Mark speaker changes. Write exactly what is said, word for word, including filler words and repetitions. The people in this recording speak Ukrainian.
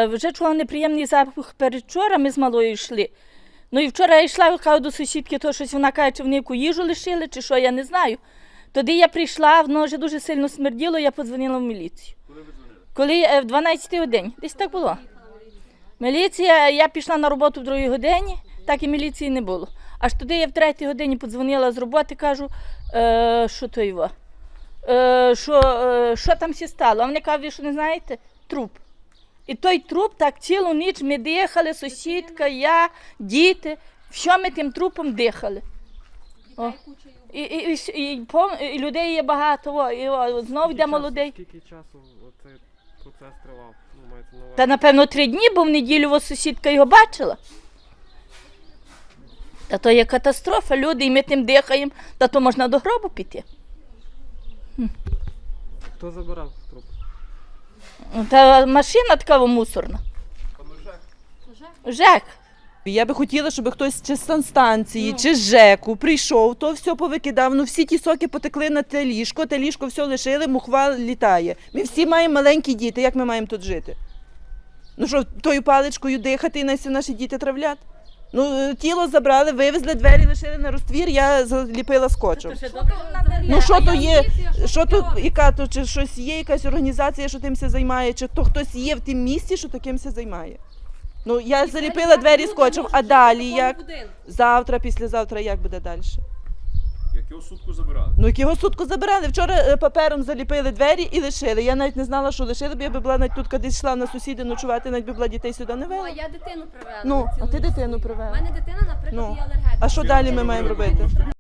Speaker 1: Вже чула неприємний запах передвчора, ми з малою йшли. Ну і вчора я йшла, кажу до сусідки, то щось вона каже, чи вони яку їжу лишили, чи що, я не знаю. Тоді я прийшла, воно вже дуже сильно смерділо, я подзвонила в міліцію.
Speaker 2: Коли ви дзвонили?
Speaker 1: Коли в дванадцятій годині, десь так було. Міліція, я пішла на роботу в другій годині, так і міліції не було. Аж туди я в третій годині подзвонила з роботи, кажу, е, що то його, е, що, е, що там всі стало. А вони кажуть, ви що не знаєте? Труп. І той труп так цілу ніч ми дихали, сусідка, я, діти, що ми тим трупом дихали. О. І, і, і, і, пов- і людей є багато, о, і о, знов йде молодий.
Speaker 3: Скільки часу цей процес тривав? Ну, мається на увазі.
Speaker 1: Та напевно три дні, бо в неділю ось сусідка його бачила. Та то є катастрофа, люди, і ми тим дихаємо, та то можна до гробу піти.
Speaker 3: Хто забирав труп?
Speaker 1: Та машина така мусорна. ЖЕК.
Speaker 4: Я би хотіла, щоб хтось чи з санстанції, чи з ЖЕКу прийшов, то все повикидав. Ну всі ті соки потекли на те ліжко, те ліжко все лишили, мухва літає. Ми всі маємо маленькі діти, як ми маємо тут жити? Ну що, тою паличкою дихати і нас наші діти травлять? Ну, тіло забрали, вивезли, двері лишили на розтвір, я заліпила скотчем. Ну що то є, що тут, яка то, чи щось є, якась організація, що тим все займає, чи то хтось є в тім місці, що таким все займає. Ну, я заліпила двері скотчем, а далі як? Завтра, післязавтра, як буде далі?
Speaker 2: Як його сутку забирали?
Speaker 4: Ну, як його сутку забирали. Вчора е, папером заліпили двері і лишили. Я навіть не знала, що лишили, бо я би була навіть тут, коли йшла на сусіди ночувати, навіть би була дітей сюди не
Speaker 5: Ну, а
Speaker 4: вела.
Speaker 5: я дитину привела.
Speaker 4: Ну,
Speaker 5: на цілу
Speaker 4: а ти
Speaker 5: ніч
Speaker 4: дитину
Speaker 5: свою.
Speaker 4: привела.
Speaker 5: У мене дитина, наприклад,
Speaker 4: Ну,
Speaker 5: є алергетик.
Speaker 4: А що далі ми маємо робити?